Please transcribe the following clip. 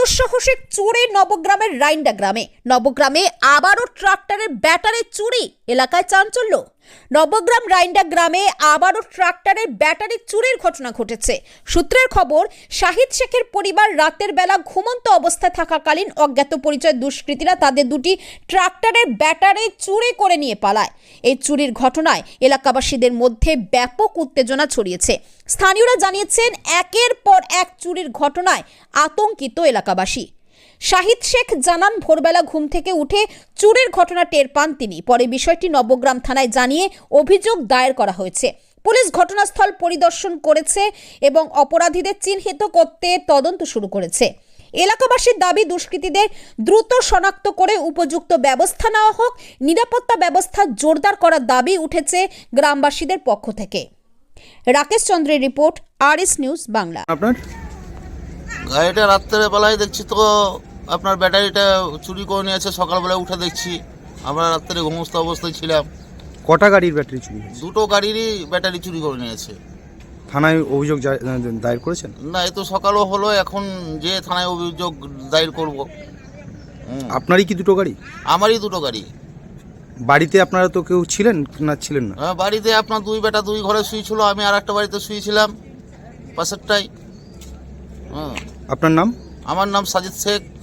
দুঃসাহসিক চুরি নবগ্রামের রাইন্ডা গ্রামে। নবগ্রামে আবারও ট্রাক্টরের ব্যাটারি চুরি, এলাকায় চাঞ্চল্য। নবগ্রাম রাইন্ডা গ্রামে আবারও ট্রাক্টরের ব্যাটারি চুরির ঘটনা ঘটেছে। সূত্রের খবর, শাহিদ শেখের পরিবার রাতের বেলা ঘুমন্ত অবস্থায় থাকাকালীন অজ্ঞাত পরিচয় দুষ্কৃতীরা তাদের দুটি ট্রাক্টরের ব্যাটারি চুরি করে নিয়ে পালায়। এই চুরির ঘটনায় এলাকাবাসীদের মধ্যে ব্যাপক উত্তেজনা ছড়িয়েছে। স্থানীয়রা জানিয়েছেন, একের পর এক চুরির ঘটনায় আতঙ্কিত এলাকাবাসী। শাহিদ শেখ জানান, ভোরবেলা ঘুম থেকে উঠে চুরির ঘটনা টের পান তিনি। পরে বিষয়টি নবগ্রাম থানায় জানিয়ে অভিযোগ দায়ের করা হয়েছে। পুলিশ ঘটনাস্থল পরিদর্শন করেছে এবং অপরাধীদের চিহ্নিত করতে তদন্ত শুরু করেছে। এলাকাবাসীর দাবি, দুষ্কৃতীদের দ্রুত শনাক্ত করে উপযুক্ত ব্যবস্থা নেওয়া হোক। নিরাপত্তা ব্যবস্থা জোরদার করার দাবি উঠেছে গ্রামবাসীদের পক্ষ থেকে। রাকেশ চন্দ্রের রিপোর্ট, আরএস নিউজ বাংলা। আপনার গাড়িটা রাত্রে বেলায় দেখছি তো আপনার ব্যাটারিটা চুরি করে নিয়েছে। সকালবেলায় উঠে দেখছি, আমরা রাত্রে ঘুমস্ত অবস্থায় ছিলাম। কটা গাড়ির ব্যাটারি চুরি হয়েছে? দুটো গাড়িরই ব্যাটারি চুরি করে নিয়েছে। থানায় অভিযোগ দায়ের করেছেন? না, এই তো সকালও হলো, এখন যে থানায় অভিযোগ দায়ের করব। আপনারই কি দুটো গাড়ি? আমারই দুটো গাড়ি। বাড়িতে আপনারা তো কেউ ছিলেন না? ছিলেন না। হ্যাঁ, বাড়িতে আপনার দুই বেটা দুই ঘরে শুয়েছিল, আমি আর একটা বাড়িতে শুয়েছিলাম পাশেরটাই। হ্যাঁ। আপনার নাম? আমার নাম সাজিদ শেখ।